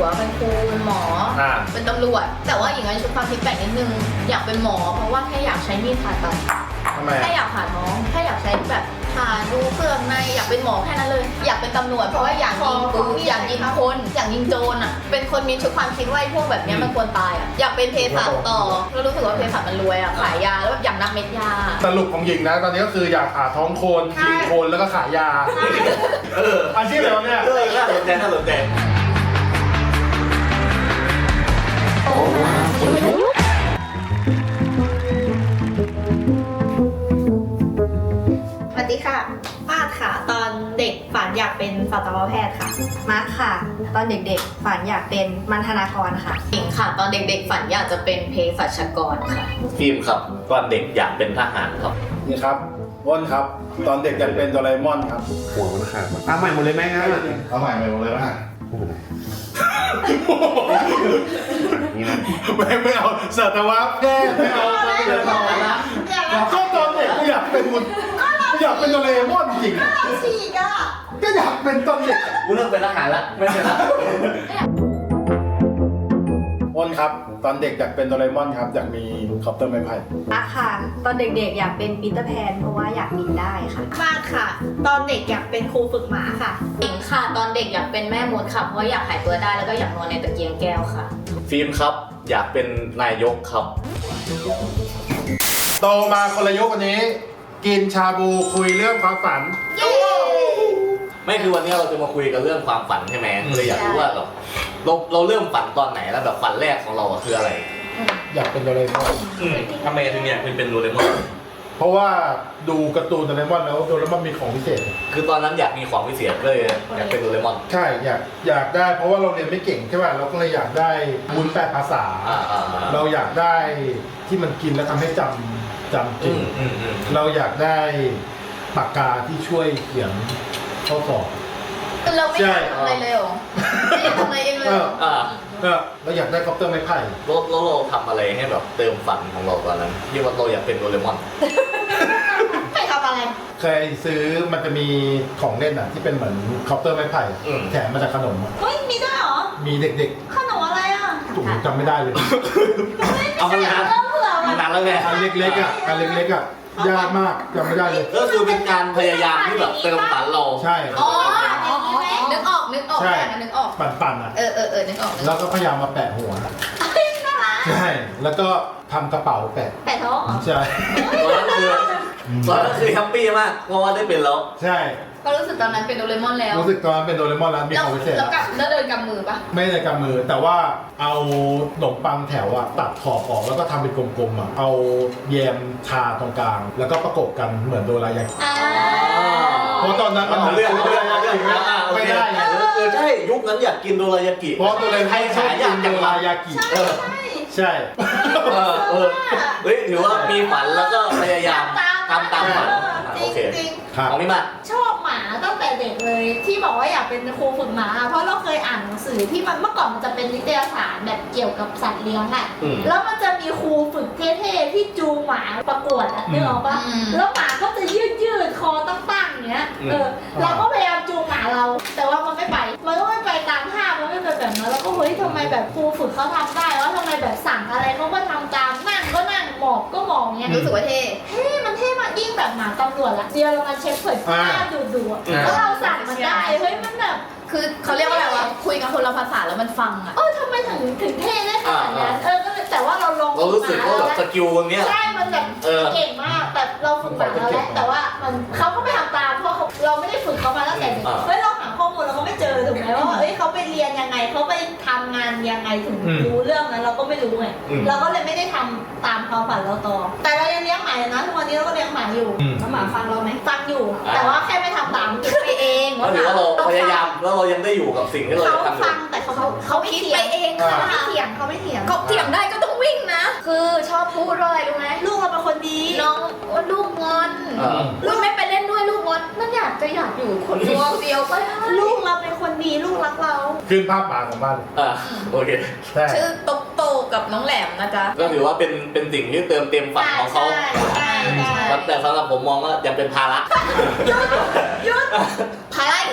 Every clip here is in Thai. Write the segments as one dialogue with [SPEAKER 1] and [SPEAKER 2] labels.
[SPEAKER 1] วเป็นครูเป็นหมอเป็นตำรวจแต่ว่าอย่างนั้นชุดความคิดแปลกนิดนึงอยากเป็นหมอเพราะว่าแค่อยากใช้มีดผ่าตัดแค่อยากผ่าท้องแค่อยากใช้แบบผ่าดูเครื่องในอยากเป็นหมอแค่นั้นเลยอยากเป็นตำรวจเพราะว่าอยากยิงปืนอยากยิงคนอยากยิงโจรอ่ะเป็นคนมีชุดความคิดว่าพวกแบบนี้มันควรตายอ่ะอยากเป็นเภสัชต่อแล้วรู้สึกว่าเภสัชมันรวยอ่ะขายยาแล้วแบบอยากนับเม็ดยา
[SPEAKER 2] สรุปของหญิงนะตอนนี้ก็คืออยากผ่าท้องโคนยิงโคนแล้วก็ขายยาอาชีพอะไรเนี่ย
[SPEAKER 3] น่าสนใจน่าสนใจ
[SPEAKER 4] สวัสดีค่ะป้าค่ะตอนเด็กฝันอยากเป็นสัตวแพทย์ค่ะมาร์คค่ะตอนเด็กๆฝันอยากเป็นมัณฑนากรค่ะ
[SPEAKER 1] หญิงค่ะตอนเด็กๆฝันอยากจะเป็นเภสัชกรค่ะ
[SPEAKER 3] ฟิล์มครับตอนเด็กอยากเป็นทหารครับ
[SPEAKER 2] นี่ครับอ้นครับตอนเด็กอยากเป็นโดราเอมอนครับ
[SPEAKER 5] หัวมันขาดเอาใหม่หมดเลยไหมครับ
[SPEAKER 2] เอาใหม่หมดเลยนะ
[SPEAKER 5] นี่นะ
[SPEAKER 2] ไม่เอาสัตวแพทย์ไม่เอาก็ตอนเด็กก็อยากเป็นอยากเป็นโดราเอมอนจริงก็อยากเป็นตอนเด็ก
[SPEAKER 3] กูเลิกเป็นทหารแล้วไม่เป็นละ
[SPEAKER 2] อ้นครับตอนเด็กอยากเป็นโดราเอมอนครับอยากมีคอปเตอร์ไม้ไผ่
[SPEAKER 4] มาร์คค่ะตอนเด็กๆอยากเป็นปีเตอร์แพนเพราะว่าอยากบินได้ค่ะมาร์คค่ะตอนเด็กอยากเป็นครูฝึกหมาค่ะ
[SPEAKER 1] หญิงค่ะตอนเด็กอยากเป็นแม่มดค่ะเพราะอยากหายตัวได้แล้วก็อยากนอนในตะเกียงแก้วค่ะ
[SPEAKER 3] ฟิล์มครับอยากเป็นนายกครับ
[SPEAKER 2] โตมาคนละยุควันนี้กินชาบูคุยเรื่องความฝัน
[SPEAKER 3] ไม่คือวันนี้เราจะมาคุยกันเรื่องความฝันใช่ไหมเลยอยากรู้ว่าแบบเราเริ่มฝันตอนไหนแล้วแบบฝันแรกของเราคืออะไร
[SPEAKER 2] อยากเป็นโดราเอมอน
[SPEAKER 3] ทำไมถึงอยากเป็นโดราเอมอน
[SPEAKER 2] เพราะว่าดูการ์ตูนโดราเอมอนแล้วโดราเอมอนมีของพิเศษ
[SPEAKER 3] คือตอนนั้นอยากมีของพิเศษเลยอยากเป็นโดราเอมอน
[SPEAKER 2] ใช่อยากได้เพราะว่าเราเรียนไม่เก่งใช่ป่ะเราก็เลยอยากได้บุญแปลภาษาเราอยากได้ที่มันกินแล้วทำให้จำเก่งเราอยากได้ปากกาที่ช่วยเขียนข้อสอบ
[SPEAKER 1] เราไม่อยากทำอะไรเลยหรอไม่อยากทำอะไรเองเลย
[SPEAKER 2] เราอยากได้คอปเตอร์ไม้ไผ่
[SPEAKER 3] เราทำอะไรให้แบบเติมฝันของเราตอนนั้นที่ว่าเราอยากเป็นโดราเอมอน
[SPEAKER 4] ไม่ทำอะไร
[SPEAKER 2] เคยซื้อมันจะมีของเล่นอ่ะที่เป็นเหมือนคอปเตอร์ไม้ไผ่แถมมาจากขนม
[SPEAKER 4] เฮ้ยมีด้วยเหรอ
[SPEAKER 2] มีเด็ก
[SPEAKER 4] ๆขนมอะไรอ่ะ
[SPEAKER 2] ถูกจำไม่ได้เลย
[SPEAKER 3] เอามานานแล้วไง
[SPEAKER 2] อันเล็กๆอ่ะอันเล็กๆอ่ะยากมากจำไม่ได้เลย
[SPEAKER 3] ก็คือเป็นการพยายามที่แบบเติมฝันเรา
[SPEAKER 2] ใช่
[SPEAKER 1] อ๋อนึกออก
[SPEAKER 2] ใช่
[SPEAKER 1] นึกออก
[SPEAKER 2] ปั่นอ่ะ
[SPEAKER 1] นึกออก
[SPEAKER 2] แล้วก็พยายามมาแปะหัวใช่แล้วก็ทำกระเป๋าแปะ
[SPEAKER 4] ท้อง
[SPEAKER 2] ใช่
[SPEAKER 3] ตอนนั้นคือแฮปปี้มากเพราะว่าได้เป็นแล้ว
[SPEAKER 2] ใช่
[SPEAKER 1] ก็รู้สึกตอนนั้นเป็นโดราเอมอนแล้ว
[SPEAKER 2] รู้สึกตอนนั้นเป็นโดราเอมอนแล้วมีของพิเศษ
[SPEAKER 1] แล้วเดินกำมือปะ
[SPEAKER 2] ไม่ได้กำมือแต่ว่าเอาขนมปังแถวอะตัดขอบออกแล้วก็ทำเป็นกลมๆอะเอาแยมทาตรงกลางแล้วก็ประกบกันเหมือนโดรายากิเพราะตอนนั้นมัน
[SPEAKER 3] เรื่อง
[SPEAKER 2] ไม่ได้
[SPEAKER 3] ใช่ยุคนั้นอยากกินโดรายากิ
[SPEAKER 2] เพราะโดราเอมอนชอบกินโดรายากิใช่
[SPEAKER 3] เฮ้ยถือว่ามีฝันแล้วก็พยายามทำตามฝันโอเคของพี่มา
[SPEAKER 4] ชอบหมาตั้งแต่เด็กเลยที่บอกว่าอยากเป็นครูฝึกหมาเพราะเราเคยอ่านหนังสือที่มันเมื่อก่อนมันจะเป็นนิตยสารแบบเกี่ยวกับสัตว์เลี้ยงอ่ะแล้วมันจะมีครูฝึกเท่ๆที่จูงหมาประกวดอ่ะนึกออกปะแล้วหมาก็จะยืดคอตั้งๆอย่างเงี้ยเราก็พยายามจูงหมาเราแต่ว่ามันไม่ไปมันก็ไม่ไปตามท่ามันไม่เป็นแบบนั้นแล้วก็เฮ้ยทำไมแบบครูฝึกเขาทำได้แล้วทำไมแบบสั่งอะไรเขาก็ทำตามนั่งก็นั่งหมอบก็หมอบเงี้ย
[SPEAKER 1] รู้สึกว่าเท่
[SPEAKER 4] มันเท่มากยิ่งแบบหมาตำรวจอะเดียวเรามาเช็คเผยหน้าดูแล้วเราสั่งมันได้เฮ้ยมันแบบ
[SPEAKER 1] คือเขาเรียกว่าอะไรวะคุยกันคนละภาษาแล้วมันฟังอ่ะ
[SPEAKER 4] ทำไมถึงเท่ได้ขนาดนั้นก็เลยแต่ว่าเราลง
[SPEAKER 3] เรารู้สึกว่าแบบสกิลตรงเนี้ย
[SPEAKER 4] ใช่มันแบบเก่งมากแบบเราฝึกมาแล้วแหละแต่ว่ามันเขาก็ไม่ทำตามเพราะเราไม่ได้ฝึกเขามาตั้งแต่เด็กเฮ้ยเราหาข้อมูลเราก็ไม่เจอถูกไหมว่าเฮ้ยเขาไปเรียนยังไงเขาไปทำงานยังไงถึงรู้เรื่องนั้นเราก็ไม่รู้ไงเราก็เลยไม่ได้ทำตามความฝันเราต่อแต่เรายังเลี้ยงหมานะทุกวันนี้เราก็เลี้ยงหมาอยู่แล้วหมาฟังเราไหมฟังอยู่แต่ว่าแค่ไม่ทำตามคิดไปเอง
[SPEAKER 3] ว่าเราพยายามแล้วเรายังได้อยู่กับสิ่งที่เราทำอยู่
[SPEAKER 4] ฟังแต่เขาคิดไปเองเขาไม่เถียงเขา
[SPEAKER 1] เถียงได้ก็ต้องวิ่งนะคือชอบพูดอะไรรู้ไหม
[SPEAKER 4] ลูกเราเป็นคนดี
[SPEAKER 1] น้องว่าลูกงอนลูกไม่ไปเล่นด้วยลูกงอนมันอยากอยู่คนเดียวไป
[SPEAKER 4] ลูกเราเป็นคนดีลูกรักเรา
[SPEAKER 2] ขึ้นภาพหมาของบ้าน
[SPEAKER 3] โอเค
[SPEAKER 1] ชื่อโตกับน้องแหลมนะจ๊ะ
[SPEAKER 3] ก็ถือว่าเป็นสิ่งที่เติมเต็มฝันของเขาแต่สำหรับผมมองว่ายังเป็นภาระ
[SPEAKER 1] ภาระอีกแล้ว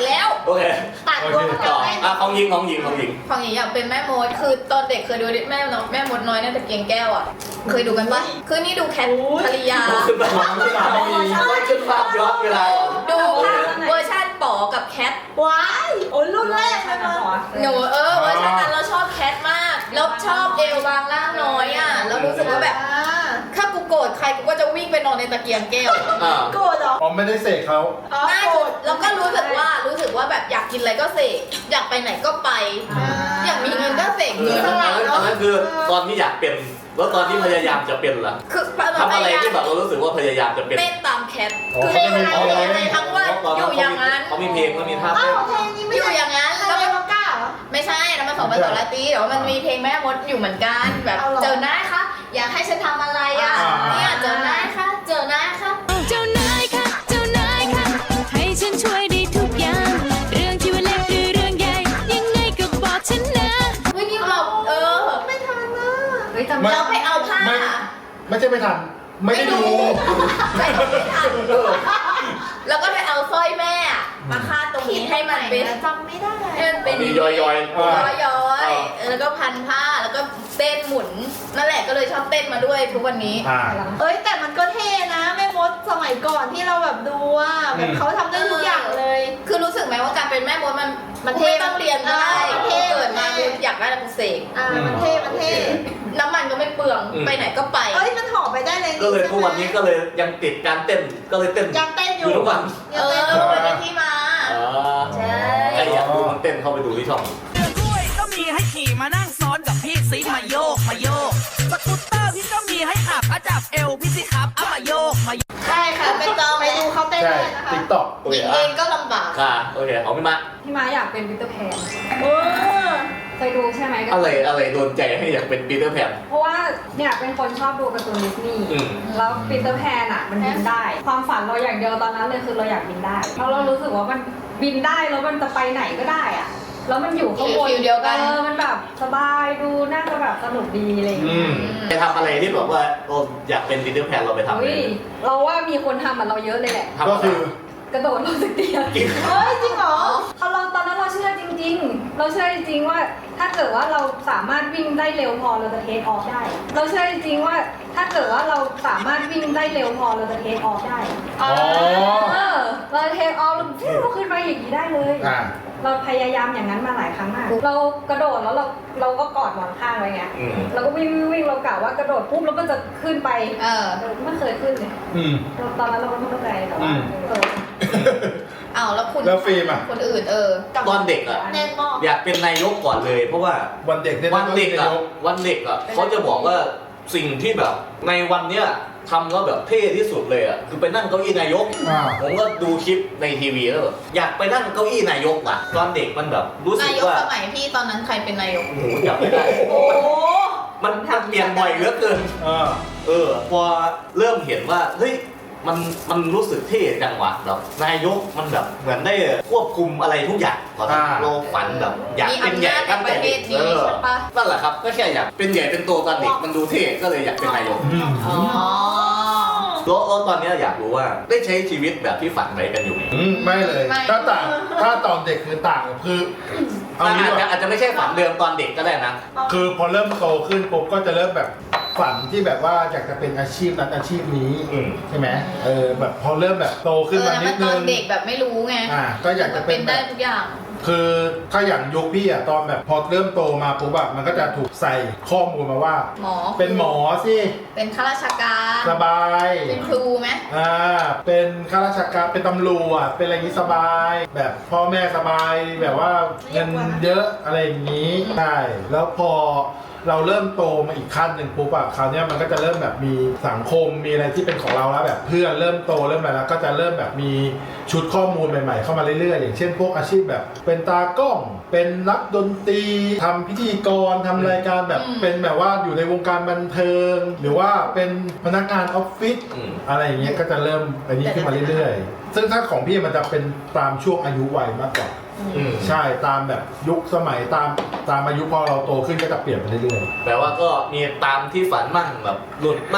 [SPEAKER 3] โอเค
[SPEAKER 4] ตัดรวม
[SPEAKER 3] ต่
[SPEAKER 4] กั
[SPEAKER 3] อน
[SPEAKER 4] ได้
[SPEAKER 3] ของยิง
[SPEAKER 1] ของหญิงอยากเป็นแม่มดคือตอนเด็กเคยดูแม่มดน้อยน่าจะเกียงแก้วอ่ะเคยดูกันปะคือนี่ดูแคทภริยา
[SPEAKER 3] ขึ้นไปขึ้นภาพย้อนเวลา
[SPEAKER 1] ดูเวอร์ชันป๋อกับแคท
[SPEAKER 4] ว้ายโอ้ยรุ่นแรกเลยมั้ง
[SPEAKER 1] หนูเวอร์ชันนั้นเราชอบแคทมากแล้วชอบเอวบางล่างน้อยอ่ะแล้วรู้สึกว่าแบบถ้ากูโกรธใครกูก็จะวิ่งไปนอนในตะเกียงแก้ว
[SPEAKER 4] โกรธเหรอ
[SPEAKER 2] อ๋อไม่ได้เสกเขา
[SPEAKER 1] น่าจะแล้วก็รู้สึกว่าแบบอยากกินอะไรก็เสกอยากไปไหนก็ไป อยากมีเงินก็เสกเงิน
[SPEAKER 3] ตอนนั้นคือตอนที่อยากเป็นแล้วตอนที่พยายามจะเป็นล่ะ
[SPEAKER 1] คือ
[SPEAKER 3] ทำอะไรที่แบบเรารู้สึกว่าพยายามจะเป็น
[SPEAKER 1] เต้นตามแคท
[SPEAKER 2] อ๋อ
[SPEAKER 1] คือ
[SPEAKER 2] เขาจะมี
[SPEAKER 1] ในทั้งวันอยู่อย่างนั้น
[SPEAKER 3] เขามีเพลงเขามีท่า
[SPEAKER 4] อ้า
[SPEAKER 3] เต้น
[SPEAKER 4] วเพลงนี้ไม่
[SPEAKER 1] อยู่
[SPEAKER 4] ใช่
[SPEAKER 1] อย่างนั้น
[SPEAKER 4] ใคร
[SPEAKER 1] แล้ว
[SPEAKER 4] เรี
[SPEAKER 1] ก็
[SPEAKER 4] ยกว่าก้าเหรอ
[SPEAKER 1] ไม่ใช่แล้วมัน2 ภาษาละตีแต่ว่ามันมีเพลงแม่มดอยู่เหมือนกันแบบ
[SPEAKER 4] เอาเหรอ
[SPEAKER 1] เจอหน้าคะอยากให้ฉันทำอะไรอ่ะเนี่ยเจอหน้าคะเจอหน้าคะ
[SPEAKER 6] เจ้านายค่ะ เจ้านายค่ะ ให้ฉันช่วยได้ทุกอย่าง เรื่องที่ว่าเล็กหรือเรื่องใหญ่ ยังไงก็บอกฉันนะ
[SPEAKER 1] เฮ้ยนี่เรา
[SPEAKER 4] ไม่ทันนะ
[SPEAKER 1] เราไปเอาผ้า
[SPEAKER 2] ไม่ใช่ไม่ทันไม่ได้ดู
[SPEAKER 1] ไม่ทันแล้วก็ไปเอาสร้อยแม่อะมาคาดตรงนี้ให้มันเป็น
[SPEAKER 4] จำไม่ได้
[SPEAKER 1] ให้มันเป็น
[SPEAKER 3] มีย้อย
[SPEAKER 1] ย้อยแล้วก็พันผ้าแล้วก็เต้นหมุนนั่นแหละก็เลยชอบเต้นมาด้วยทุกวันนี้
[SPEAKER 4] เอ้ยแต่มันก็เท่นะแม่มดสมัยก่อนที่เราแบบดูอ่ะแบบเขาทำได้ทุกอย่างเลย
[SPEAKER 1] คือรู้สึกไหมว่าการเป็นแม่มดมัน
[SPEAKER 4] มันเท่
[SPEAKER 1] ไม่ต้องเรียนก็ได้
[SPEAKER 4] มันเท่
[SPEAKER 1] เกิดมากูอยากได้แล้วกูเสก
[SPEAKER 4] มันเท่มันเท่
[SPEAKER 1] น้ำมันก็ไม่เปลืองไปไหนก็ไป
[SPEAKER 4] เอ้ยมันห่อไปได้เลย
[SPEAKER 3] ก็เลยทุกวันนี้ก็เลยยังติดการเต้นก็เลยเต้น
[SPEAKER 4] ยังเต้นอยู่
[SPEAKER 3] ทุกวัน
[SPEAKER 4] ยังเต้นอ
[SPEAKER 1] เอยู่ อวันนี้ที่มา ใช่
[SPEAKER 3] ใครอยากดูมันเต้นเข้าไปดูที่ช่อง
[SPEAKER 7] กล้วยก็มีให้ขี่มานั่งซ้อนกับพี่ซิมาโยกมาโยกสกูตเตอร์พี่ก็มีให้ขับจับเอวพี่สิครับเอามาโยกมาโยก
[SPEAKER 4] ใช่ค่ะไปจองไปดูเขาเต้น
[SPEAKER 2] ใช่
[SPEAKER 4] ได้นะคะ
[SPEAKER 2] ติ๊กต็อก
[SPEAKER 1] หญิงเองก็ลำบาก
[SPEAKER 3] ค่ะโอเคเอาพี่มา
[SPEAKER 8] พี่ม้าอยากเป็นปีเตอร์แพน
[SPEAKER 4] เออ
[SPEAKER 8] เคยดูใช่ไหม
[SPEAKER 3] อะไรโดนใจให้อยากเป็นปีเตอร์แพน
[SPEAKER 8] เพราะว่าเนี่ยเป็นคนชอบดูการ์ตูนดิสนีย์ แล้วปีเตอร์แพนอ่ะมันบินได้ ความฝันเราอย่างเดียวตอนนั้นเลยคือเราอยากบินได้เพราะเรารู้สึกว่ามันบินได้แล้วมันจะไปไหนก็ได้อ่ะแล้วมันอยู่ข้างบน
[SPEAKER 1] ฟิลเดียวกัน
[SPEAKER 8] มันแบบสบายดูน่าจะแบบสนุกดีอะไรอย่างเงี้ย
[SPEAKER 3] ไปทำอะไรที่แบบว่าเราอยากเป็นปีเตอร์แพนเราไปทำอะไร
[SPEAKER 8] อุ้ยเราว่ามีคนทำเหมือนเราเยอะเลยแหละ
[SPEAKER 2] ก็คือก
[SPEAKER 8] ระโดดลงจากเตียง
[SPEAKER 4] เฮ้ยจริงเหรอ
[SPEAKER 8] เราตอนนั้นเราเชื่อจริงๆ เราเชื่อจริงๆว่าถ้าเกิดว่าเราสามารถวิ่งได้เร็วพอเราจะเทคออฟได้ เราเชื่อจริงๆว่าถ้าเกิดว่าเราสามารถวิ่งได้เร็วพอเราจะเทคออฟได้
[SPEAKER 2] อ๋อ
[SPEAKER 8] เราเทคออฟเราขึ้นไปอย่างนี้ได้เลย เราพยายามอย่างนั้นมาหลายครั้งมาก เรากระโดดแล้วเราก็กอดหมอนข้างไว้ไงเราก็วิ่งเรากะว่ากระโดดปุ๊บแล้วมันจะขึ้นไปไม่เคยขึ้นเลยตอนนั้นเราก็ไม่เข้าใจแต่ว่า
[SPEAKER 1] อ้าวแล้วคุณ
[SPEAKER 2] แล้วฟิล์มอ่ะ
[SPEAKER 1] คนอื่น
[SPEAKER 3] ตอนเด็กอ่ะ
[SPEAKER 4] แน่นมาก
[SPEAKER 3] อยากเป็นนายกก่อนเลยเพราะว่า
[SPEAKER 2] วันเด็กเนี่ย
[SPEAKER 3] วันเด็กอ่ะเขาจะบอกว่าสิ่งที่แบบในวันเนี้ยทำแล้วแบบเท่ที่สุดเลยอ่ะคือไปนั่งเก้าอี้นายกผมก็ดูคลิปในทีวีแล้วแบบอยากไปนั่งเก้าอี้นายกว่ะตอนเด็กมันแบบรู้สึ
[SPEAKER 1] นาก ยก
[SPEAKER 3] ว่า
[SPEAKER 1] สมัยพี่ตอนนั้นใครเป็นนายก
[SPEAKER 3] โอ้โหจำไม่ได้
[SPEAKER 4] โอ้โห
[SPEAKER 3] มันเปลี่ยนบ่อยเหลือเกินพอเริ่มเห็นว่าเฮ้ยมันรู้สึกเท่จังวะแบบนายกมันแบบเหมือนได้ควบคุมอะไรทุกอย่างตอนนั้นเราฝันแบบอยากเป็นใหญ่ตั้งแต่เด็กนั่นแหละครับก็แค่อยากเป็นใหญ่เป็นโตตอนเด็กมันดูเท่ก็เลยอยากเป็นนายก
[SPEAKER 1] อ๋อ
[SPEAKER 3] แล้วตอนนี้อยากรู้ว่าได้ใช้ชีวิตแบบที่ฝันไว้กันอยู่ไหม
[SPEAKER 2] ไม่เลย ถ้าตอนเด็กคือต่างคือเอางี้ว่า
[SPEAKER 3] อาจจะไม่ใช่ฝันเดิมตอนเด็กก็ได้นะ
[SPEAKER 2] คือพอเริ่มโตขึ้นปุ๊บก็จะเริ่มแบบฝันที่แบบว่าอยากจะเป็นอาชีพนั้นอาชีพนี้ใช่ไหมแบบพอเริ่มแบบโตขึ้นมานิดนึ
[SPEAKER 1] ตอง นเด็กแบบไม่รู้ไง
[SPEAKER 2] ก็อยากจะเป็น
[SPEAKER 1] ได้
[SPEAKER 2] แบบ
[SPEAKER 1] ทุกอย่าง
[SPEAKER 2] คือถ้าอย่างยุคพี่อะตอนแบบพอเริ่มโตมาปุ๊บอะมันก็จะถูกใส่ข้อมูลมาว่า
[SPEAKER 1] หมอ
[SPEAKER 2] เป็นหมอสิ
[SPEAKER 1] เป็นข้าราชการ
[SPEAKER 2] สบาย
[SPEAKER 1] เป็นครูไหม
[SPEAKER 2] เป็นข้าราชการเป็นตำรวจเป็นอะไรอย่างนี้สบาย แบบพ่อแม่สบายแบบว่าเงินเยอะอะไรอย่างนี้ใช่แล้วพอเราเริ่มโตมาอีกขั้นหนึ่งปุ๊บอะคราวนี้มันก็จะเริ่มแบบมีสังคมมีอะไรที่เป็นของเราแล้วแบบเพื่อนเริ่มโตเริ่มอะไรแล้วก็จะเริ่มแบบมีชุดข้อมูลใหม่ๆเข้ามาเรื่อยๆอย่างเช่นพวกอาชีพแบบเป็นตากล้องเป็นนักดนตรีทำพิธีกรทำรายการแบบเป็นแบบว่าอยู่ในวงการบันเทิง หรือว่าเป็นพนักงานออฟฟิศอะไรอย่างเงี้ยก็จะเริ่มอันนี้ขึ้นมาเรื่อยๆซึ่งถ้าของพี่มันจะเป็นตามช่วงอายุวัยมากกว่าใช่ตามแบบยุคสมัยตามอายุพอเราโตขึ้นก็จะเปลี่ยนไปเรื่อย
[SPEAKER 3] แปลว่าก็มีตามที่ฝันมั่งแบบหลุดมั่ง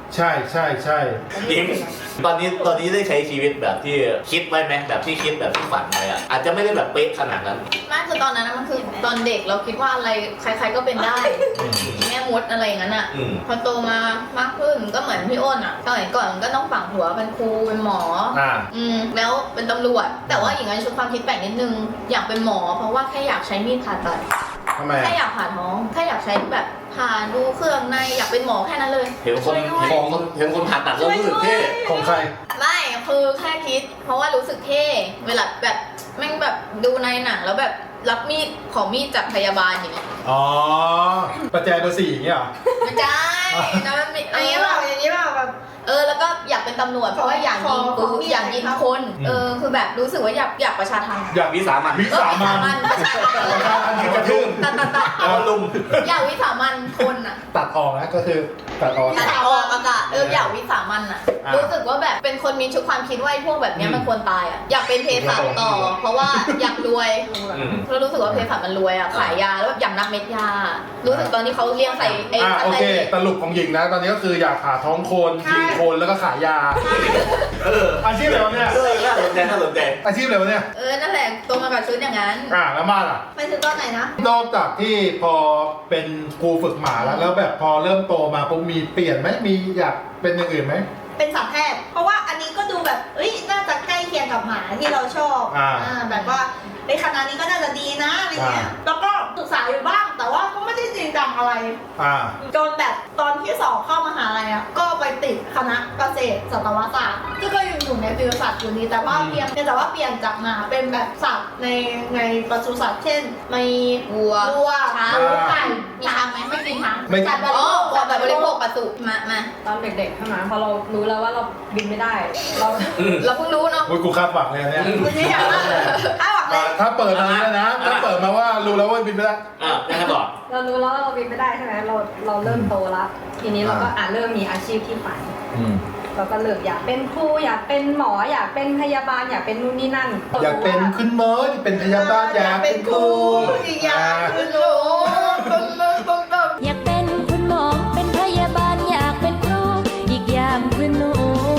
[SPEAKER 2] ใช่ใช่ใช่
[SPEAKER 3] จริงตอนนี้ได้ใช้ชีวิตแบบที่คิดไว้ไหมแบบที่คิดแบบที่ฝันไว้อะอาจจะไม่ได้แบบเป๊ะขนาดนั้น
[SPEAKER 1] ไม่คือตอนนั้นมันคือตอนเด็กเราคิดว่าอะไรใครๆก็เป็นได้แม่มดอะไรอย่างนั้นอ่ะพอโตมามากขึ้นก็เหมือนพี่อ้นอ่ะสมัยก่อนก็ต้องฝังหัวเป็นครูเป็นหมอแล้วเป็นตำรวจแต่ว่าอย่างนั้นชุดความคิดแปลกนิดนึงอยากเป็นหมอเพราะว่าแค่อยากใช้มีดผ่าตัดแค่อยากผ่าท้องแค่อยากใช้แบบผ่าดูเครื่องในอยากเป็นหมอแค่นั้นเลย
[SPEAKER 3] เห็นคนผ่าตัดแล้วรู้สึกเท่
[SPEAKER 2] ของใคร
[SPEAKER 1] ไม่คือแค่คิดเพราะว่ารู้สึกเท่เวลาแบบแม่งแบบดูในหนังแล้วแบบรับมีดของมีดจากพยาบาลอย่างเงี้ย
[SPEAKER 2] อ๋อประแจเบอร์ 4อย่างเงี้ยเหรอ
[SPEAKER 1] ไม่ใช่นะมันมี
[SPEAKER 4] อย่างนี้เปล่าแบบ
[SPEAKER 1] แล้วก็อยากเป็นตำรวจเพราะว่าอยากยิงปืนอยากยิงคนคือแบบรู้สึกว่าอยากประชาทัณฑ์
[SPEAKER 3] อยากวิสามัน
[SPEAKER 1] ประชาทัณฑ์
[SPEAKER 2] กระทืบ
[SPEAKER 1] ตัด
[SPEAKER 3] เอาลุม
[SPEAKER 1] อยากวิสามันคนอ่ะ
[SPEAKER 2] ตัดออกนะก็คือตัดออก
[SPEAKER 1] อากาศอยากวิสามันอ่ะรู้สึกว่าแบบเป็นคนมีชุดความคิดว่าพวกแบบนี้มันควรตายอ่ะอยากเป็นเภสัชต่อเพราะว่าอยากรวยเพราะรู้สึกว่าเภสัชมันรวยอ่ะขายยาแล้วแบบอยากนับเม็ดยารู้สึกตอนที่เขาเลี้ยงใส่
[SPEAKER 2] โอเคสรุปของหญิงนะตอนนี้ก็คืออยากผ่าท้องคนยิงคนแล้วก็ขายยาอาชีพอะไรวะเนี่ย
[SPEAKER 3] น่าสนใจ
[SPEAKER 2] อาชีพอะไรวะเนี่ย
[SPEAKER 1] นั่นแหละตัวมากับชุดอย่างนั้น
[SPEAKER 2] แล้วมาล่ะ
[SPEAKER 4] ไปถึงตอนไหนนะ
[SPEAKER 2] นอกจากที่พอเป็นครูฝึกหมาแล้วแบบพอเริ่มโตมาปุ๊บมีเปลี่ยนไหมมีอยากเป็นอย่างอื่นไหม
[SPEAKER 4] เป็นสัตวแพทย์เพราะว่าอันนี้ก็ดูแบบน่าจะใกล้เคียงกับหมาที่เราชอบแบบว่าในคณะนี้ก็น่าจะดีนะอะไรเงี้ยแล้วก็ศึกษาอยู่บ้างแต่ว่าก็ไม่ได้จริงจังอะไรจนแบบตอนที่2เข้ามหาลัยก็ไปติดคณะเกษตรสัตวศาสตร์ซึ่งก็อยู่ในฟิวสัตว์อยู่ดีแต่ว่าเปลี่ยนจากหมาเป็นแบบสัตว์ในปศุสัตว์เช่นมีวัวช้างไก่
[SPEAKER 1] มีช้างไหมไม่กินช้าง
[SPEAKER 4] สัตว์
[SPEAKER 1] แบบบริโภคปศุมา
[SPEAKER 8] ตอนเด็กๆใช่ไหมพอเรารู้แล้วว่าเราบินไม่ได้
[SPEAKER 1] เราเพิ่งรู้เนาะ
[SPEAKER 2] กูคาดหวังเลยเนี่ย
[SPEAKER 4] คุณนี่อย่างนั้นคาดหวังเลย
[SPEAKER 2] ถ้าเปิดมานะถ้าเปิดมาว่ารู้แล้วว่าบินไม่ได้
[SPEAKER 3] ยังไงต่อ
[SPEAKER 8] เรารู้แล้วเราบินไม่ได้ใช่ไหมเราเริ่มโตแล้วทีนี้เราก็เริ่มมีอาชีพที่ฝันเราก็เลือกอยากเป็นครูอยากเป็นหมออยากเป็นพยาบาลอยากเป็นนู่นนี่นั่น
[SPEAKER 2] อยากเป็นคุณหมออยากเป็นพยาบาลอยากเป็นครู
[SPEAKER 4] อยากเป็นครู
[SPEAKER 6] อยากเป็นคุณหมอเป็นพยาบาลอยากเป็นครูอีกอย่างคือหนู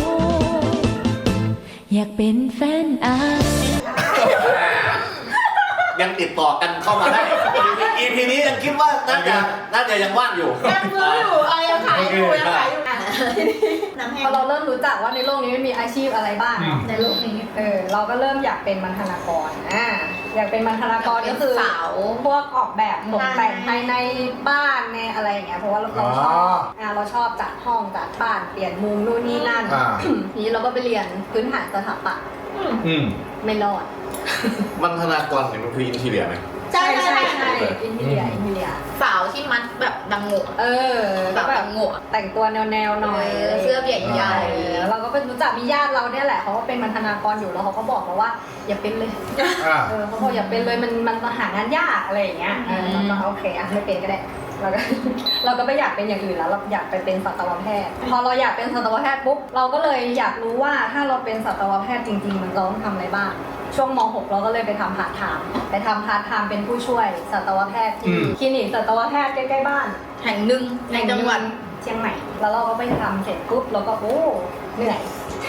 [SPEAKER 6] อยากเป็นแฟน
[SPEAKER 3] ยังติดต่อกันเข้ามาได้ EP นี้ยังคิดว่าน่าจะยังว่างอยู่
[SPEAKER 4] ยังซื้ออยู่ยังขายอยู่
[SPEAKER 8] พอเราเริ่มรู้จักว่าในโลกนี้มีอาชีพอะไรบ้างในโลกนี้เราก็เริ่มอยากเป็นบรรณาธิการอยากเป็นบรรณาธิการก็คือพวกออกแบบตกแต่งภายในบ้านในอะไรอย่างเงี้ยเพราะว่าเราชอบจัดห้องจัดบ้านเปลี่ยนมุมนู่นนี่นั่นทีนี้เราก็ไปเรียนพื้นฐานสถาปัตย์ไม่รอด
[SPEAKER 3] บรรณาธิการเนี่ยมันคืออินทีเรียไหม
[SPEAKER 4] ใช่
[SPEAKER 8] อินทีเรีย
[SPEAKER 1] สาวที่มัดแบบดังโง่
[SPEAKER 8] แบบดังโง่แต่งตัวแนวหน่อย
[SPEAKER 1] เสื้อใหญ่
[SPEAKER 8] ๆเราก็เป็นรู้จักมีญาติเราเนี่ยแหละเขาก็เป็นบรรณาธิการอยู่แล้วเขาก็บอกเราว่าอย่าเป็นเลยเขาบอกอย่าเป็นเลยมันหางานยากอะไรอย่างเงี้ยเราก็โอเคไม่เป็นก็ได้เราก็ไม่อยากเป็นอย่างอื่นแล้วเราอยากไปเป็นสัตวแพทย์พอเราอยากเป็นสัตวแพทย์ปุ๊บเราก็เลยอยากรู้ว่าถ้าเราเป็นสัตวแพทย์จริงๆมันต้องทำอะไรบ้างช่วงม.6 เราก็เลยไปทำพาร์ทไทม์เป็นผู้ช่วยสัตวแพทย์ที่คลินิกสัตวแพทย์ใกล้ๆบ้าน
[SPEAKER 1] แห่งหนึ่งในจังหวัด
[SPEAKER 8] เชียงใหม่แล้วเราก็ไปทำเสร็จปุ๊บเราก็เหนื่อย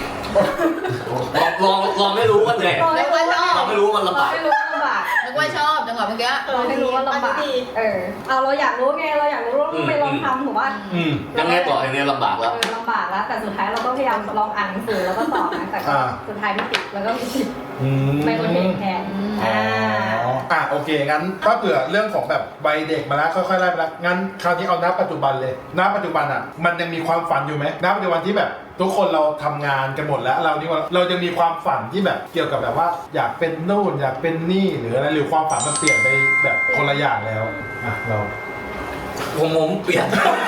[SPEAKER 3] ลองไม่รู้ว่าเหนื่อยลองไม่รู้มันลำบาก
[SPEAKER 1] นึกว่าชอบจังหวะเมื่อกี้
[SPEAKER 8] เราไม่รู้ว่าลำบากเราอยากรู้ไงเราอยากรู้ว่าไปลองทำถูกป่ะ
[SPEAKER 3] ยังไงต่ออย่างนี้ลำบากแล้ว
[SPEAKER 8] แต่สุดท้ายเราก็พยายามลองอ่านหนังสือแล้วก็สอบนะแต่สุดท้ายไม่ติดแล้วก็ไม่ติดไม่โอเคแทน
[SPEAKER 2] โอเคงั้นถ้าเผื่อเรื่องของแบบวัยเด็กมาแล้วค่อยๆไล่มาแล้วงั้นคราวนี้เอาณปัจจุบันเลยณปัจจุบันมันยังมีความฝันอยู่ไหมณปัจจุบันที่แบบทุกคนเราทำงานกันหมดแล้วเราจะมีความฝันที่แบบเกี่ยวกับแบบว่าอยากเป็นนู่นอยากเป็นนี่หรืออะไรหรือความฝันมันเปลี่ยนไปแบบคนละอย่างแล้วเรา
[SPEAKER 3] ผมเปลี่ยน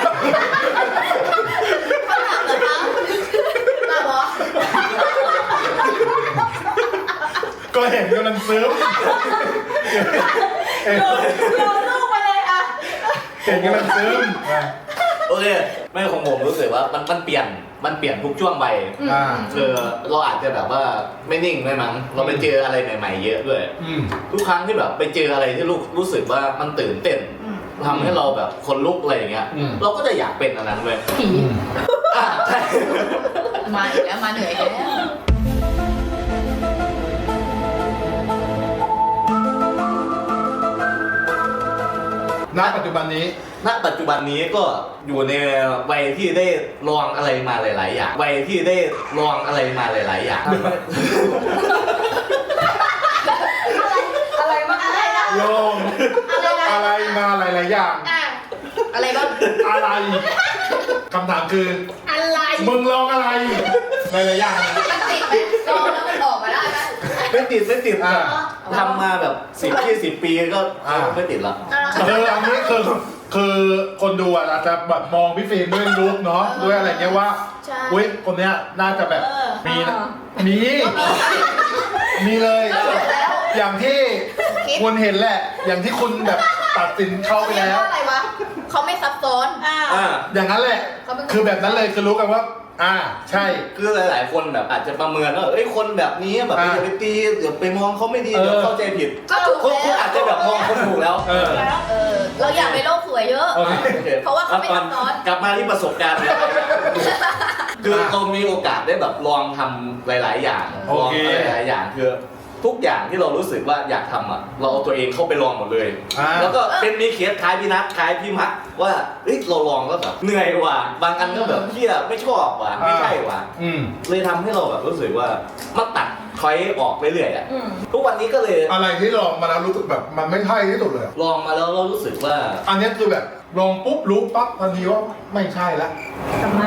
[SPEAKER 2] ก็เห็นกำลังซื้อ
[SPEAKER 4] โยนลูกมาเลย
[SPEAKER 2] เห็นกำลังซื้อ
[SPEAKER 3] โอเคไม่ของผมรู้สึกว่ามันเปลี่ยนทุกช่วงไปเราอาจจะแบบว่าไม่นิ่งไม่มั้งเราไปเจออะไรใหม่ๆเยอะด้วยทุกครั้งที่แบบไปเจออะไรที่รู้สึกว่ามันตื่นเต้นทำให้เราแบบคนลุกอะไรอย่างเงี้ยเราก็จะอยากเป็นอันนั้นเลยใช่
[SPEAKER 1] มาอีกแล้วมาเหนื่อยแล้ว
[SPEAKER 2] ณปัจจุบันนี้
[SPEAKER 3] ณปัจจุบันนี้ก็อยู่ในวัยที่ได้ลองอะไรมาหลายๆอย่างวัยที่ได้ลองอะไรมาหลายๆอย่าง
[SPEAKER 8] อะไรบ้างอะไรนะ
[SPEAKER 2] ลงอะไรมาหลายๆอย่าง
[SPEAKER 1] อะไรบ้าง
[SPEAKER 2] อะไรคำถามคือ
[SPEAKER 4] อะไร
[SPEAKER 2] มึงลองอะไรหลายๆอย่าง
[SPEAKER 1] มันติดไหมลองแล้วมันออกมาได้ไหม
[SPEAKER 3] ไม่ติด
[SPEAKER 2] อ่า
[SPEAKER 3] ทำมาแบบ10-20 ปีก็ไม่ติดละ
[SPEAKER 2] อันนี้คือคนดูอาจจะแบบมองพี่ฟิล์มด้วยลุคเนาะด้วยอะไรเงี้ยว่า
[SPEAKER 1] ใช่
[SPEAKER 2] อุ้ยคนเนี้ยน่าจะแบบมีนะมีเลย อย่างที่คุณเห็นแหละ อย่างที่คุณแบบตัดสินเข้าไปแล้ว
[SPEAKER 1] อะไรวะเขาไม่ซับซ้อน
[SPEAKER 2] อย่างนั้นแหละ คือแบบนั้นเลยคือรู้กันว่า ใช่
[SPEAKER 3] คือหลายๆคนแบบอาจจะประเมินว่าเอ้ยคนแบบนี้แบบอย่าไปตีเดี๋ยวไปมองเขาไม่ดีเดี๋ยวเข้าใจผิด
[SPEAKER 1] ก็ถูก
[SPEAKER 3] คุณ
[SPEAKER 1] แล้ว
[SPEAKER 3] อาจจะแบบมองคนถูกแล้ว
[SPEAKER 1] เราอยากไปโลกสวยเยอะ
[SPEAKER 2] โอเค
[SPEAKER 1] เพราะว่าเขาไม่ซับซ้อน
[SPEAKER 3] กลับมาที่ประสบการณ์ คือเรามีโอกาสได้แบบลองทำหลาย ๆ อย่าง
[SPEAKER 2] โอ
[SPEAKER 3] ลอง
[SPEAKER 2] เค
[SPEAKER 3] อะไรหลายๆอย่างคือทุกอย่างที่เรารู้สึกว่าอยากทำอ่ะเราเอาตัวเองเข้าไปลองหมดเลย แล้วก็เป็นมีเคสคล้ายพี่นัทคล้ายพี่มักว่าเฮ้ยเราลองแล้วแบบเหนื่อยว่ะบางอันก็แบบเที่ยไม่ชอบว่ะไม่ใช่ว่ะเลยทำให้เราแบบรู้สึกว่ามันตัดคอยออกไปเรื่อยๆอ่ะทุกวันนี้ก็เลย
[SPEAKER 2] อะไรที่ลองมาแล้วรู้สึกแบบมันไม่ใช่ที่สุดเลย
[SPEAKER 3] ลองมาแล้วเรารู้สึกว่า
[SPEAKER 2] อันนี้คือแบบลองปุ๊บรู้ปั๊บทันทีว่าไม่ใช่ละ
[SPEAKER 8] กลับมา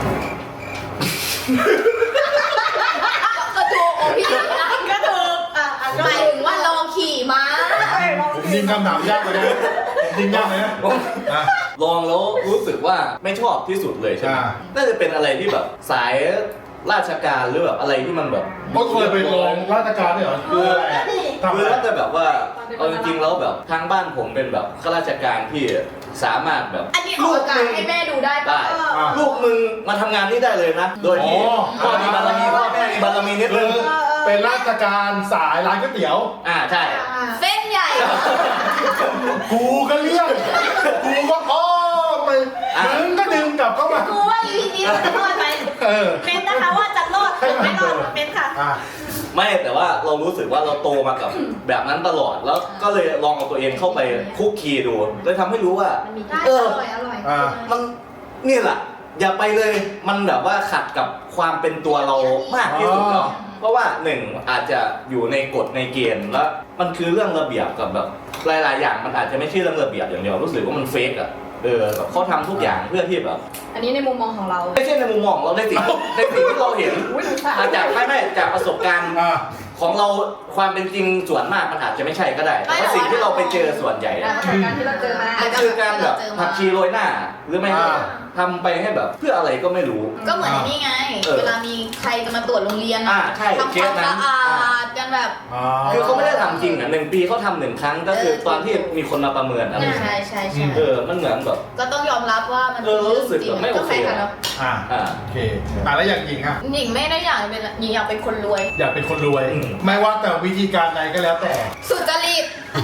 [SPEAKER 1] ก็ถูกโอ้พี่นะก็ถูกหมายถึงว่าลองขี่ม้า
[SPEAKER 2] ผมยิงคำถามยากไปนะผมยิงยากเลยนะอ่ะ
[SPEAKER 3] ลองแล้วรู้สึกว่าไม่ชอบที่สุดเลยใช่ไหม
[SPEAKER 2] อ่า
[SPEAKER 3] น่าจะเป็นอะไรที่แบบสายราชการหรือแบบอะไรที่มันแบบ
[SPEAKER 2] ก็เคยไปลองราชการด้วยเหรอคืออะไรอะทำ
[SPEAKER 3] คื
[SPEAKER 2] อะ
[SPEAKER 3] อ
[SPEAKER 2] ไร
[SPEAKER 3] ถ้าจะแบบว่าเอาจริงๆแล้วแบบทางบ้านผมเป็นแบบข้าราชการที่สามารถแบบ
[SPEAKER 1] อันนี้ออกอากาศให้แม่ดูได้ปะ
[SPEAKER 3] ได้ลูกมึงมาทำงานนี่ได้เลยนะ โดยที่พ่อมีบารมีพ่อแม่มีบารมีนิด
[SPEAKER 2] คื
[SPEAKER 3] นึ
[SPEAKER 2] อง เป็นราชการสายร้านก๋วยเตี๋ยว
[SPEAKER 3] ใช่
[SPEAKER 1] เส้นใหญ่
[SPEAKER 2] กูก็เลี่ยงกูก็อ้อมไปดึงก็ดึงกลับเข้ามา
[SPEAKER 4] กูว่า EP นี้มันจะรอดไหม เป็นนะคะว่าจะรอดหรือไม่รอดเป็นค่ะ
[SPEAKER 3] ไม่แต่ว่าเรารู้สึกว่าเราโตมากับแบบนั้นตลอดแล้วก็เลยลองเอาตัวเองเข้าไปคุกคีดูเลยทำให้รู้ว่า
[SPEAKER 4] ได้อร่อยอร่อย
[SPEAKER 3] มันนี่แหละอย่าไปเลยมันแบบว่าขัดกับความเป็นตัวเรามากที่สุดเนาะเพราะว่าหนึ่งอาจจะอยู่ในกฎในเกณฑ์แล้วมันคือเรื่องระเบียบกับแบบหลายๆอย่างมันอาจจะไม่ใช่เรื่องระเบียบอย่างเดียวรู้สึกว่ามันเฟกอะแบบเขาทำทุกอย่างเพื่อที่แบบ
[SPEAKER 8] อันนี้ในมุมมองของเรา
[SPEAKER 3] ไม่ใช่ในมุมมองเราในสิ่งที่เราเห็นอาจจะไม่จากประสบการณ์ของเราความเป็นจริงส่วนมากมันอาจจะไม่ใช่ก็ได้แต่ว่าสิ่งที่เราไปเจอส่วนใหญ่อะ
[SPEAKER 8] จากการที่เราเจอมา
[SPEAKER 3] มันคือการแบบผักชีโรยหน้า หรือไม่ก็ทำไปให้แบบเพื่ออะไรก็ไม่รู้
[SPEAKER 1] ก็เหมือนนี่ไง เวลามีใครจะมาตรวจโรงเรียน
[SPEAKER 3] ใช่
[SPEAKER 1] ทำความสะอาดกันแบบ
[SPEAKER 3] คือเขาไม่ได้ทำจริงอ่ะ1 ปีเขาทำ1 ครั้งก็คือตอนที่มีคนมาประเมินอะไร
[SPEAKER 1] ใช่ใช่
[SPEAKER 3] มันเหมือนแบบ
[SPEAKER 1] ก็ต้องยอมรับว่ามัน
[SPEAKER 3] รู้สึกแบบไม่โอเค
[SPEAKER 1] ก็ใช่ค่ะเนาะ
[SPEAKER 2] โอเคแล้วอย่างหญิงอ่ะ
[SPEAKER 1] หญิงไม่ได้อยากเป็นหญิงอยากเป็นคนรวย
[SPEAKER 2] อยากเป็นคนรวย ไม่ว่าแต่วิธีการใดก็แล้วแต่
[SPEAKER 1] สุจริต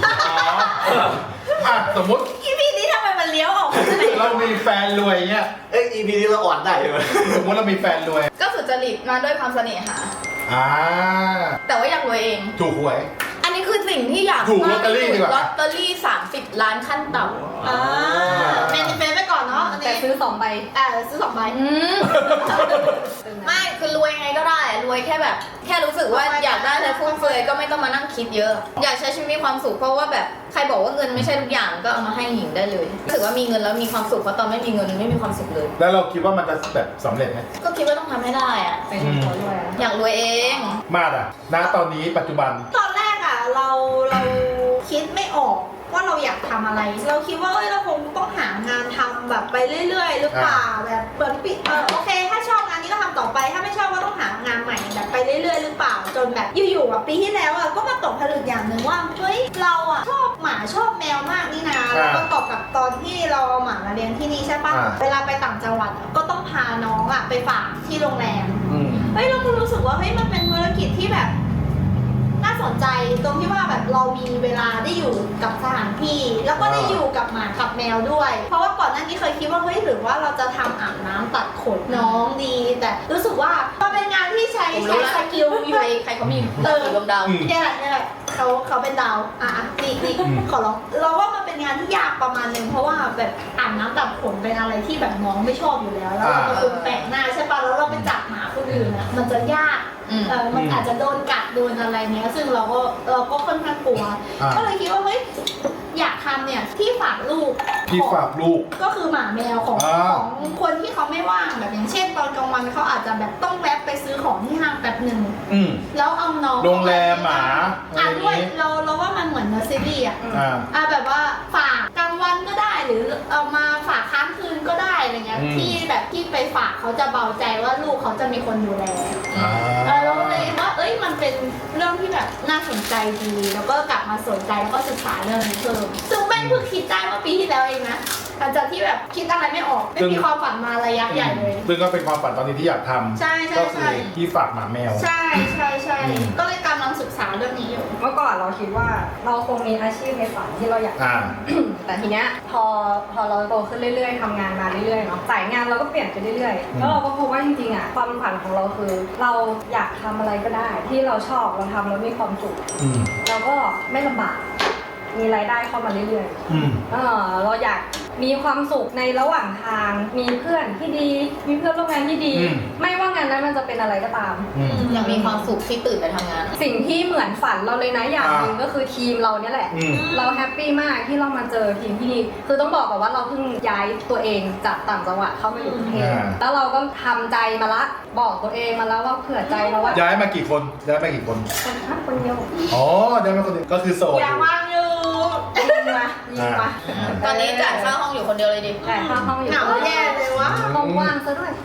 [SPEAKER 2] สมมติ
[SPEAKER 4] EP นี้ทำไมมันเลี้ยวออกมาไหน
[SPEAKER 2] เรามีแฟนรวยเงี้ย
[SPEAKER 3] EP นี้เราอ่อนได้ใช่ไหม
[SPEAKER 2] สมมติเรามีแฟนรวย
[SPEAKER 1] ก็สุจริตมาด้วยความเสน่หา แต่ว่าอยากรวยเอง
[SPEAKER 2] ถูกหวย
[SPEAKER 1] อันนี้คือสิ่งที่อยาก
[SPEAKER 2] ถูกลอตเตอรี่ดีกว่า
[SPEAKER 1] ลอตเตอรี่30 ล้านขั้นต่ำ
[SPEAKER 4] เป็นไปก่อนเนาะ
[SPEAKER 8] แต่ซื้อ2 ใบ
[SPEAKER 4] ซื้อ2 ใบ
[SPEAKER 1] ไม่คือรวยไงก็ได้รวยแค่แบบ แค่รู้สึกว่าอยากได้อะไรฟุ่มเฟือยก็ไม่ต้องมานั่งคิดเยอะ อยากใช้ชีวิตมีความสุขเพราะว่าแบบใครบอกว่าเงินไม่ใช่ทุกอย่างก็เอามาให้หญิงได้เลยรู้สึกว่ามีเงินแล้วมีความสุขเพราะตอนไม่มีเงินไม่มีความสุขเลย
[SPEAKER 2] แล้วเราคิดว่ามันจะแบบสำเร็จไหม
[SPEAKER 1] ก็คิดว่าต้องทำให้ได้อะ
[SPEAKER 8] เป็นคนรวย
[SPEAKER 1] อยากรวยเอง
[SPEAKER 2] มาดอ่ะณตอนนี้ปัจจุบัน
[SPEAKER 4] ตอนแรกเราคิดไม่ออกว่าเราอยากทำอะไร เราคิดว่าเราคงต้องหางานทำแบบไปเรื่อยๆหรือเปล่าแบบเหมือนโอเคถ้าชอบงานนี้ก็ทำต่อไปถ้าไม่ชอบก็ต้องหางานใหม่แบบไปเรื่อยๆหรือเปล่าจนแบบอยู่ๆปีที่แล้วก็มาตกผลึกอย่างหนึ่งว่าเฮ้ยเราชอบหมาชอบแมวมากนี่นะแล้วก็ตอบกับตอนที่เราเอาหมามาเลี้ยงที่นี่ใช่ปะเวลาไปต่างจังหวัดก็ต้องพาน้องไปฝากที่โรงแรมเฮ้ยเราก็รู้สึกว่าเฮ้ยมันเป็นธุรกิจที่แบบน่าสนใจตรงที่ว่าแบบเรามีเวลาได้อยู่กับสถานที่แล้วก็ได้อยู่กับหมากับแมวด้วย เพราะว่าก่อนหน้านี้เคยคิดว่าเฮ้ยหรือว่าเราจะทำอาบน้ำตัดขนน้องดี แต่รู้สึกว่ามันเป็นงานที่ใช้สกิลอยู่
[SPEAKER 1] ใครเขามีดวงดาว
[SPEAKER 4] เนี่ยแหละเขาเป็นดาวนี่ขอร้องเราว่ามันเป็นงานที่ยากประมาณนึงเพราะว่าแบบอาบน้ำตัดขนเป็นอะไรที่แบบน้องไม่ชอบอยู่แล้วแล้วเราเป็นคนแปลกหน้าใช่ปะแล้วเราไปจับหมาคนอื่นอ่ะมันจะยากมันอาจจะโดนกัดโดนอะไรเนี้ยซึ่งเราก็ค่อนข้างกลัวก็เลยคิดว่าเฮ้ยอยากทำเนี่ยที่ฝากลูกก็คือหมาแมวของคนที่เขาไม่ว่างแบบอย่างเช่นตอนกลางวันเขาอาจจะแบบต้องแวะไปซื้อของที่ห้างแป๊บหนึ่งแล้วเอาน้อง
[SPEAKER 2] โรงแรมหมา
[SPEAKER 4] ด้วยเราว่ามันเหมือนเนอร์เซอรี่แบบว่าฝากกลางวันก็ได้หรือเอามาฝากค้างคืนก็ได้อะไรเงี้ยที่แบบที่ไปฝากเขาจะเบาใจว่าลูกเขาจะมีคนดูแลเราเลยว่ามันเป็นเรื่องที่แบบน่าสนใจดีแล้วก็กลับมาสนใจแล้วก็ศึกษาเรื่องนี้เพิ่มซึ่งแม่งเพิ่งคิดได้เมื่อปีที่แล้วเองนะหลังจากที่แบบคิดอะไรไม่ออกไม่มีความฝันมาระยะใหญ่เลย
[SPEAKER 2] ซึ่งก็เป็นความฝันตอนนี้ที่อยากทำ
[SPEAKER 4] ใช่
[SPEAKER 2] ก็คือที่ฝากหมาแมว
[SPEAKER 4] ใช่ก็เลยกำลังศึกษาเรื่องนี้อยู่
[SPEAKER 8] เมื่อก่อนเราคิดว่าเราคงมีอาชีพในฝันที่เราอยากแต่ทีเนี้ยพอเราโตขึ้นเรื่อยๆทำงานมาเรื่อยๆเนาะสายงานเราก็เปลี่ยนไปเรื่อยๆแล้วเราก็พบว่าจริงๆอ่ะความฝันของเราคือเราอยากทำอะไรก็ได้ที่เราชอบเราทำแล้วมีความสุขเราก็ไม่ลำบากมีรายได้เข้ามาเรื่อยๆเราอยากมีความสุขในระหว่างทางมีเพื่อนที่ดีมีเพื่อนร่วมงานที่ดีไม่ว่างานนั้นมันจะเป็นอะไรก็ตาม
[SPEAKER 1] อยากมีความสุขที่ตื่นไปทำงาน
[SPEAKER 8] สิ่งที่เหมือนฝันเราเลยนะอย่างหนึ่งก็คือทีมเราเนี่ยแหละเราแฮปปี้มากที่เรามาเจอทีมที่ดีคือต้องบอกก่อนว่าเราเพิ่งย้ายตัวเองจากต่างจังหวัดเข้ามาอยู่กรุงเทพแล้วเราก็ทำใจมาละบอกตัวเองมาแล้วว่าเผื่อใจเราว่า
[SPEAKER 2] ย้ายมากี่คน
[SPEAKER 8] คนเดียว
[SPEAKER 2] ย้ายมาคนเดียวก็คือโสด
[SPEAKER 4] อย่าว่างอยู่
[SPEAKER 8] ยิงมา
[SPEAKER 1] ตอนนี้จ่ายค่าห้องอยู่คนเดียวเลยดิ
[SPEAKER 8] จ่ายค่าห้องอยู่
[SPEAKER 4] เหงาแย่เลยวะ
[SPEAKER 8] ห้องว่างซะด้วย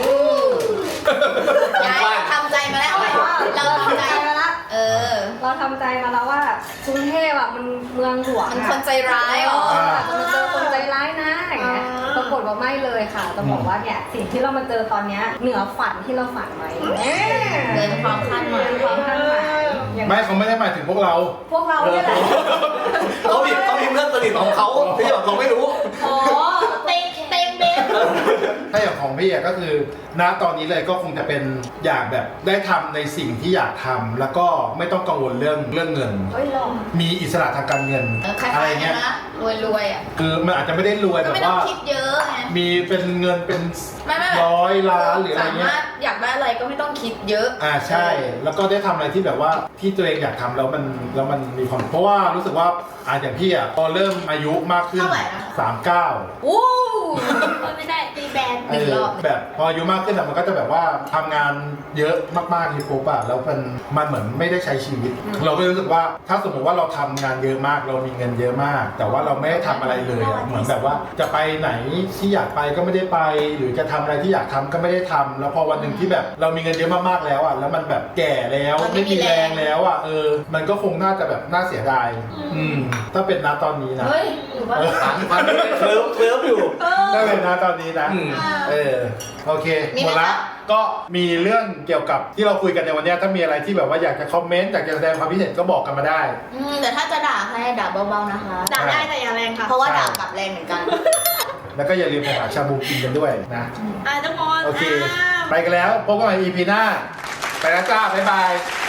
[SPEAKER 1] ย้ายทำใจมาแล้วเราทำใจมาแล้ว
[SPEAKER 8] เราทำใจมาแล้วว่ากรุงเทพอ่ะมันเมืองหลวง
[SPEAKER 1] มันคนใจร้ายหรอ
[SPEAKER 8] จะเจอคนใจร้ายนะอย่างเงี้ยปรากฏว่าไม่เลยค่ะต้องบอกว่าเนี่ยสิ่งที่เรามาเจอตอนเนี้ยเหนือฝันที่เราฝันไว้
[SPEAKER 1] เกินความคาดหมาย
[SPEAKER 2] ไม่เขาไม่ได้หมายถึงพวกเรา
[SPEAKER 8] เนี่ยแหละ
[SPEAKER 3] เขามีเพื่อนสนิทของเขาที่แบบเราไม่รู้
[SPEAKER 4] เต็มเบส
[SPEAKER 2] ถ้าอย่างของพี่ก็คือณตอนนี้เลยก็คงจะเป็นอยากแบบได้ทำในสิ่งที่อยากทำแล้วก็ไม่ต้องกังวลเรื่องเงินมีอิสระทางการเงิน
[SPEAKER 1] อะไรเงี้ยรวยอ่ะ
[SPEAKER 2] คือมันอาจจะไม่ได้รวยแบบว่า
[SPEAKER 1] คิดเยอะไง
[SPEAKER 2] มีเป็นเงินเป็น100 ล้านหรืออะไรเงี้ย
[SPEAKER 1] อยากได้อะไรก็ไม่ต้องคิดเยอะ
[SPEAKER 2] ใช่แล้วก็ได้ทำอะไรที่แบบว่าที่ตัวเองอยากทำแล้วมันมีความเพราะว่ารู้สึกว่าอย่างพี่พอเริ่มอายุมากขึ้น39
[SPEAKER 4] ไม่ได้ตีแบน
[SPEAKER 2] แบบพออายุมากขึ้นมันก็จะแบบว่าทำงานเยอะมากๆที่ปุ๊บแล้วมันเหมือนไม่ได้ใช้ชีวิตเราก็รู้สึกว่าถ้าสมมติว่าเราทำงานเยอะมากเรามีเงินเยอะมากแต่ว่าเราไม่ได้ทำอะไรเลยเหมือนแบบว่าจะไปไหนที่อยากไปก็ไม่ได้ไปหรือจะทำอะไรที่อยากทำก็ไม่ได้ทำแล้วพอวันหนึ่งที่แบบเรามีเงินเยอะมากๆแล้วแล้วมันแบบแก่แล้วไม่มีแรงแล้วมันก็คงน่าจะแบบน่าเสียดายถ้าเป็นณตอนนี้นะ
[SPEAKER 3] มันเคลิ้มอยู่
[SPEAKER 2] ถ้าเป็นณตอนนี้นะโอเคหมดละก็มีเรื่องเกี่ยวกับที่เราคุยกันในวันนี้ถ้ามีอะไรที่แบบว่าอยากจะคอมเมนต์อยากจะแสดงความคิดเห็นก็บอกกันมาได้
[SPEAKER 1] แต่ถ้าจะด่าให้ด่าเบาๆนะคะ
[SPEAKER 4] ด่าได้แต่อย่าแรงค่ะ
[SPEAKER 1] เพราะว่าด่ากลับแรงเหมือนกัน
[SPEAKER 2] แล้วก็อย่าลืมไปหาชาบูกินกันด้วยนะ
[SPEAKER 4] ทุกคน
[SPEAKER 2] โอเคไปกันแล้วพบกันใหม่ EP หน้าไปแล้วจ้าบ๊ายบาย